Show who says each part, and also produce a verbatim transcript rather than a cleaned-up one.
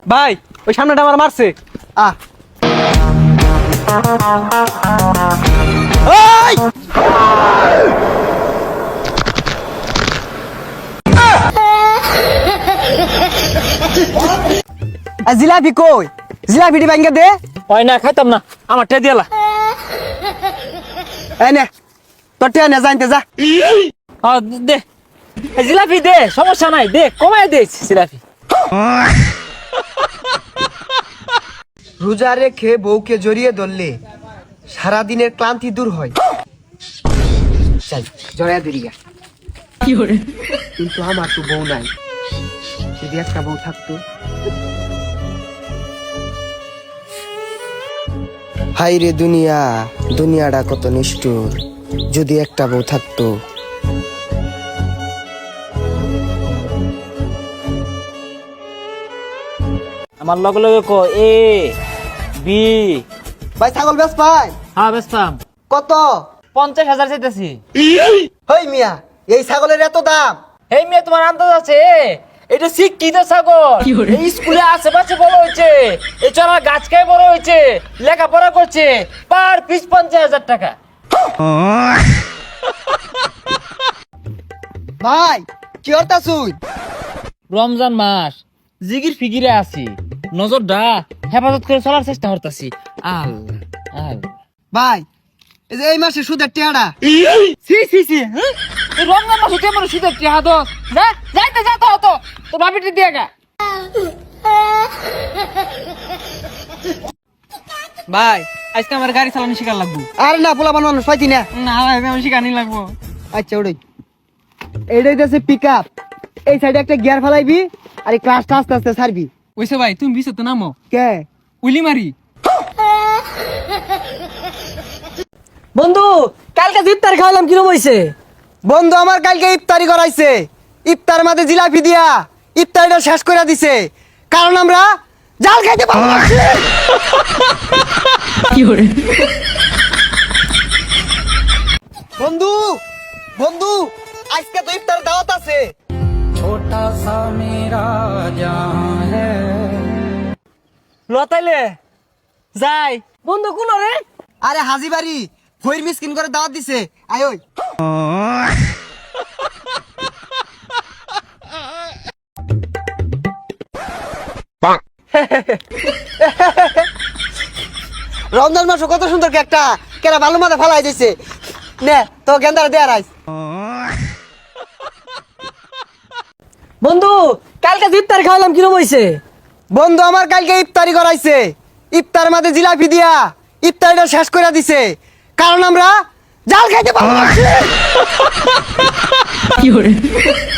Speaker 1: ভাই ওই সামনেটা আমার মারছে।
Speaker 2: আ এই আ জিলাপি কই? জিলাপিটি ভাঙ্গা দে।
Speaker 1: হয় না, খাইতাম না, আমার টে দিয়ালা।
Speaker 2: এই নে তোর টিয়া নে জানতে যা।
Speaker 1: হ্যাঁ দে, এই জিলাপি দে, সমস্যা নাই, দে, কমায় দে জিলাপি।
Speaker 2: রোজা রেখে বউকে জড়িয়ে ধরলে সারাদিনের ক্লান্তি দূর হয়। চাই জড়াইয়া দিরিয়া কিন্তু আমার তো বউ নাই, যদি একটা বউ থাকতো। হাই রে দুনিয়া, দুনিয়াটা কত নিষ্ঠুর, যদি একটা বউ থাকতো।
Speaker 1: আমার লগে লগে ক এ বি।
Speaker 2: ভাই ছাগল বেশ পাই
Speaker 1: হ্যাঁ বেচতাম,
Speaker 2: কত?
Speaker 1: পঞ্চাশ হাজার চাইতেছি।
Speaker 2: হই মিয়া, এই ছাগলের এত দাম?
Speaker 1: এই মেয়ে তোমার আন্দাজ আছে? এটা শিক্ষিত ছাগল, এই স্কুলে আশেপাশে বড় হয়েছে, এই চড়ার গাছ খেয়ে বড় হয়েছে, লেখাপড়া করছে, পার পিস পঞ্চাশ হাজার টাকা।
Speaker 2: ভাই কি অর্থ শুই?
Speaker 1: রমজান মাস, জিগির ফিগিরে আছি, নজরটা হেফাজত করে চলার চেষ্টা করতেছি। আল্লাহ আল্লাহ।
Speaker 2: ভাই এই যে এই মাসে সুদের টিয়াটা
Speaker 1: সি সি সি, হ্যাঁ? এই রমজান মাস হতে আমার শীতের টিহা তো যা যাইতে যা তো হতো তো ভাবিটি দিয়ে গা। ভাই আজকে আমার গাড়ি চালানো শিকার লাগবো।
Speaker 2: আরে না পোলা বানানো পাইতি না।
Speaker 1: না ভাই আমি শিকার নি লাগবো।
Speaker 2: আচ্ছা ওটাই, এইটাই আছে পিক আপ। এই সাইডে একটা গিয়ার ফেলাইবি আর এই ক্লাসটা আস্তে আস্তে ছাড়বি।
Speaker 1: ওইসে ভাই তুমি বিচে তো নামো,
Speaker 2: কে
Speaker 1: উলি মারি। বন্ধু কালকে ইফতার খাওয়ালাম, কিরম হইছে?
Speaker 2: বন্ধু আমার কালকে ইফতারি করাইছে, ইফতার মাঝে জিলাপি দিয়া ইফতারিটা শেষ করে দিছে, কারণ আমরা জাল খাইতে পারবো না। বন্ধু বন্ধু আজকে তো ইফতার দাওয়াত আছে।
Speaker 1: লতাইলে যাই বন্ধু কোন রে?
Speaker 2: আরে হাজি বাড়ি ভৈর মিসকিন করে দাওয়াত দিছে, আয় ওই। রমজান মাস কত সুন্দর একটা কেরা ভালো মাথা ফালাই দিছে, নে তো গেন্দারে দেয়া রাইস।
Speaker 1: বন্ধু কালকে ইফতার খাওয়ালাম, কিরম হইছে?
Speaker 2: বন্ধু আমার কালকে ইফতারি করাইছে, ইফতার মাঝে জিলাপি দিয়া ইফতারিটা শেষ করে দিছে, কারণ আমরা জাল খাইতে পারবো না।